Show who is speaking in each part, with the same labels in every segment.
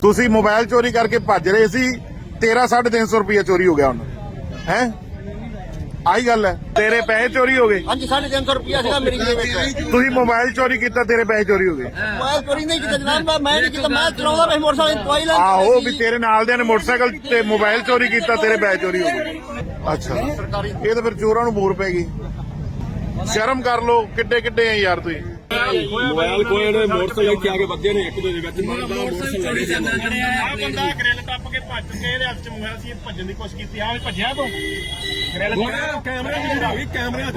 Speaker 1: ਤੁਸੀਂ ਮੋਬਾਈਲ ਚੋਰੀ ਕਰਕੇ ਭੱਜ ਰਹੇ ਸੀ 13-350 ਰੁਪਏ ਚੋਰੀ ਹੋ ਗਿਆ ਹੁਣ ਹੈ ਆਹੀ ਗੱਲ ਹੈ ਤੇਰੇ ਪੈਸੇ ਚੋਰੀ ਹੋ ਗਏ।
Speaker 2: ਹਾਂਜੀ 350 ਰੁਪਇਆ ਸੀਗਾ ਮੇਰੀ ਜੇਬ ਵਿੱਚ।
Speaker 1: ਤੁਸੀਂ ਮੋਬਾਈਲ ਚੋਰੀ ਕੀਤਾ ਤੇਰੇ ਪੈਸੇ ਚੋਰੀ ਹੋ ਗਏ।
Speaker 2: ਮੋਬਾਈਲ ਚੋਰੀ ਨਹੀਂ ਕੀਤਾ ਜਨਾਬ, ਮੈਂ ਨਹੀਂ ਕੀਤਾ, ਮੈਂ ਚਲਾਉਂਦਾ ਪਿਆ ਮੋਟਰਸਾਈਕਲ ਦਵਾਈ ਲੈਣ।
Speaker 1: ਆਹੋ ਵੀ ਤੇਰੇ ਨਾਲ ਦੇ ਨੇ ਮੋਟਰਸਾਈਕਲ ਤੇ ਮੋਬਾਈਲ ਚੋਰੀ ਕੀਤਾ ਤੇਰੇ ਪੈਸੇ ਚੋਰੀ ਹੋ ਗਏ। ਅੱਛਾ ਇਹ ਤਾਂ ਫਿਰ ਚੋਰਾਂ ਨੂੰ ਮੂਰ ਪੈ ਗਈ। ਸ਼ਰਮ ਕਰ ਲੋ ਕਿੱਡੇ ਕਿੱਡੇ ਆ ਯਾਰ ਤੁਸੀਂ।
Speaker 3: ਮੋਬਾਈਲ ਕੋਏ ਨੇ ਮੋਟਰਸਾਈਕਲ ਕੇ ਆਗੇ ਵੱਜੇ ਨੇ ਇੱਕ ਦੂਜੇ ਵਿੱਚ ਮਾਰਦਾ ਮੋਟਰਸਾਈਕਲ
Speaker 4: ਆ ਬੰਦਾ ਗ੍ਰਿਲ ਟੱਪ ਕੇ ਭੱਜ ਕੇ ਇਹਦੇ ਹੱਥ 'ਚ ਮੋਬਾਈਲ ਸੀ, ਭੱਜਣ ਦੀ ਕੋਸ਼ਿਸ਼ ਕੀਤੀ। ਆ ਭੱਜਿਆ ਤੂੰ ਗ੍ਰਿਲ
Speaker 3: ਕੈਮਰੇ ਵੀ ਕੈਮਰੇ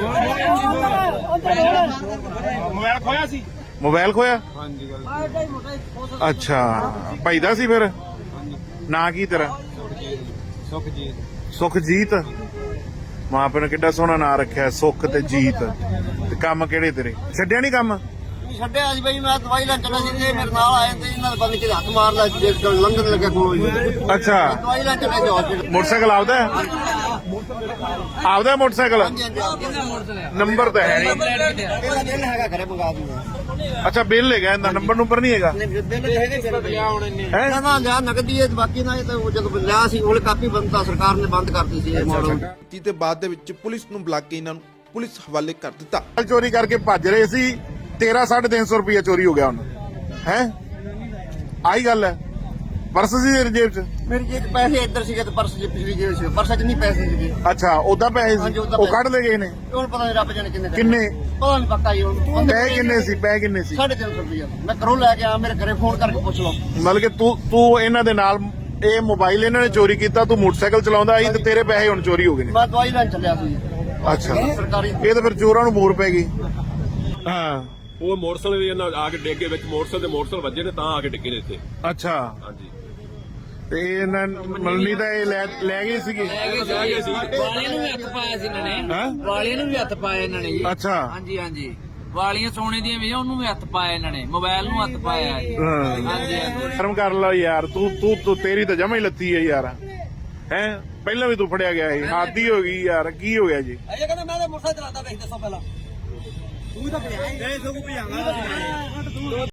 Speaker 4: ਮੋਬਾਈਲ ਖੋਇਆ ਸੀ।
Speaker 1: ਮੋਬਾਈਲ ਖੋਇਆ?
Speaker 3: ਹਾਂਜੀ
Speaker 1: ਅੱਛਾ ਭਾਈਦਾ ਸੀ ਫਿਰ ਨਾਂ ਕੀ ਤੇਰਾ?
Speaker 3: ਸੁਖਜੀਤ।
Speaker 1: ਸੁਖਜੀਤ ਮਾਂ ਪਿਓ ਨੇ ਕਿੱਡਾ ਸੋਹਣਾ ਨਾਂ ਰੱਖਿਆ ਸੁਖ ਤੇ ਜੀਤ। ਤੇ ਕੰਮ ਕਿਹੜੇ ਤੇਰੇ? ਛੱਡਿਆ ਨਹੀਂ ਕੰਮ?
Speaker 2: ਛੱਡਿਆ ਸੀ ਬਈ, ਮੈਂ ਦਵਾਈ ਲੈਣ ਚੱਲਿਆ ਸੀ ਤੇ ਮੇਰੇ ਨਾਲ ਆਏ ਤੇ ਇਹਨਾਂ ਨੇ ਬੰਦ ਕੇ ਹੱਥ ਮਾਰ ਲਿਆ ਜੇ ਲੰਘਣ ਲੱਗਿਆ ਕੋਲ।
Speaker 1: ਅੱਛਾ
Speaker 2: ਦਵਾਈ ਲੈਣ ਚੱਲਿਆ ਸੀ ਹਸਪੀਟਲ।
Speaker 1: ਮੋਟਰਸਾਈਕਲ ਆਪਦਾ ਹੈ? ਆਪਦਾ ਮੋਟਰਸਾਈਕਲ? ਨੰਬਰ ਤਾਂ ਹੈ ਨਹੀਂ।
Speaker 2: ਇਹਦਾ ਬਿੱਲ ਹੈਗਾ ਘਰੇ ਮੰਗਾ ਦੂੰਗਾ।
Speaker 1: ਅੱਛਾ ਬਿੱਲ ਹੈਗਾ ਇਹਦਾ, ਨੰਬਰ ਨਹੀਂ ਹੈਗਾ
Speaker 2: ਬਿੱਲ ਹੈਗੇ
Speaker 1: ਹੈ?
Speaker 2: ਨਾ ਲਿਆ ਨਗਦੀ ਹੈ, ਬਾਕੀ ਨਾ ਇਹ ਤਾਂ ਜਦੋਂ ਲਿਆ ਸੀ ਉਹ ਕਾਪੀ ਬੰਦ ਸਰਕਾਰ ਨੇ ਬੰਦ ਕਰਤੀ ਸੀ ਇਹ ਮਾਡਲ।
Speaker 5: ਤੇ ਬਾਅਦ ਦੇ ਵਿੱਚ ਪੁਲਿਸ ਨੂੰ ਬੁਲਾ ਕੇ ਇਹਨਾਂ ਨੂੰ ਪੁਲਿਸ ਹਵਾਲੇ ਕਰ ਦਿੱਤਾ।
Speaker 1: ਚੋਰੀ ਕਰਕੇ ਭੱਜ ਰਹੇ ਸੀ 13-350 ਰੁਪਏ ਚੋਰੀ ਹੋ ਗਿਆ ਹੁਣ ਹੈ ਆਹੀ ਗੱਲ ਹੈ। ਪਰਸ ਸੀ ਤੇਰੀ ਜੇਬ 'ਚ?
Speaker 2: ਮੇਰੀ ਜੇਬ 'ਚ ਪੈਸੇ ਇੱਧਰ ਸੀਗੇ ਤੇ ਪਰਸ ਜੀ ਪਿਛਲੀ ਜੇਬ ਸੀ, ਪਰਸ 'ਚ ਨਹੀਂ ਪੈਸੇ ਸੀਗੇ।
Speaker 1: ਅੱਛਾ ਉਦਾਂ ਪੈਸੇ
Speaker 2: ਹਾਂਜੀ,
Speaker 1: ਸੀ
Speaker 2: ਉੱਦਾਂ
Speaker 1: ਉਹ
Speaker 2: ਪੈਸੇ।
Speaker 1: ਕੱਢ ਲੈ ਗਏ ਨੇ?
Speaker 2: ਹੁਣ ਪਤਾ ਨਹੀਂ ਰੱਬ ਜਾਣੇ ਕਿੰਨੇ
Speaker 1: ਕਿੰਨੇ
Speaker 2: ਪਤਾ ਨਹੀਂ ਪੱਕਾ ਜੀ ਹੁਣ।
Speaker 1: ਪੈਸੇ ਕਿੰਨੇ ਸੀ? ਪੈਸੇ ਕਿੰਨੇ ਸੀ?
Speaker 2: 350 ਰੁਪਇਆ ਮੈਂ ਘਰੋਂ ਲੈ ਕੇ ਆ, ਮੇਰੇ ਘਰੇ ਫੋਨ ਕਰਕੇ ਪੁੱਛ ਲਓ।
Speaker 1: ਮਤਲਬ ਕਿ ਤੂੰ ਇਹਨਾਂ ਦੇ ਨਾਲ ਇਹ ਮੋਬਾਈਲ ਇਹਨਾਂ ਨੇ ਚੋਰੀ ਕੀਤਾ, ਤੂੰ ਮੋਟਰਸਾਈਕਲ ਚਲਾਉਂਦਾ ਸੀ ਤੇ ਤੇਰੇ ਪੈਸੇ ਹੁਣ ਚੋਰੀ ਹੋ ਗਏ ਨੇ।
Speaker 2: ਮੈਂ ਦਵਾਈ ਲੈਣ ਚੱਲਿਆ ਸੀ
Speaker 1: ਅੱਛਾ
Speaker 2: ਸਰਕਾਰੀ।
Speaker 1: ਇਹ ਤਾਂ ਫਿਰ ਚੋਰਾਂ ਨੂੰ ਮੂਰ ਪੈ ਗਈ। ਹਾਂ
Speaker 3: ਉਹ ਮੋਟਰਸਾਈਕਲ ਵੀ ਇਹਨਾਂ ਆ ਕੇ ਡਿੱਗੇ ਵਿੱਚ ਮੋਟਰਸਾਈਕਲ ਵੱਜੇ ਨੇ ਤਾਂ ਆ ਕੇ ਡਿੱਗੇ ਨੇ ਇੱਥੇ।
Speaker 1: ਅੱਛਾ
Speaker 3: ਹਾਂਜੀ
Speaker 1: ਤੇ ਇਹਨਾਂ ਮਲਨੀ ਤਾਂ ਇਹ ਲੈ ਗਏ ਸੀਗੇ।
Speaker 6: ਵਾਲੀਆਂ ਨੂੰ ਵੀ ਹੱਥ ਪਾਇਆ ਸੀ ਇਹਨਾਂ ਨੇ।
Speaker 1: ਹੈਂ?
Speaker 6: ਵਾਲੀਆਂ ਨੂੰ ਵੀ ਹੱਥ ਪਾਇਆ ਇਹਨਾਂ ਨੇ ਜੀ।
Speaker 1: ਅੱਛਾ
Speaker 6: ਹਾਂਜੀ ਹਾਂਜੀ ਵਾਲੀਆਂ ਸੋਨੇ ਦੀਆਂ ਵੀ ਉਹਨੂੰ ਵੀ ਹੱਥ ਪਾਇਆ ਇਹਨਾਂ ਨੇ, ਮੋਬਾਈਲ ਨੂੰ ਹੱਥ ਪਾਇਆ ਜੀ।
Speaker 1: ਹਾਂ
Speaker 6: ਹਾਂਜੀ ਹਾਂਜੀ
Speaker 1: ਸ਼ਰਮ ਕਰ ਲਾ ਯਾਰ ਤੂੰ ਤੇਰੀ ਤਾਂ ਜਮਾ ਹੀ ਲੱਤੀ ਹੈ ਯਾਰ ਹੈ। ਪਹਿਲਾਂ ਵੀ ਤੂੰ ਫੜਿਆ ਗਿਆ ਸੀ, ਹਾਦੀ ਹੋ ਗਈ ਯਾਰ। ਕੀ ਹੋ ਗਿਆ ਜੀ?
Speaker 2: ਇਹ ਕਹਿੰਦਾ ਮੈਂ ਤਾਂ ਮੋਟਰਸਾਈਕਲ ਚਲਾਉਂਦਾ ਵੇਖ ਦੱਸੋ ਪਹਿਲਾਂ। ਤੂੰ ਤਾਂ ਭਜਾਇਆ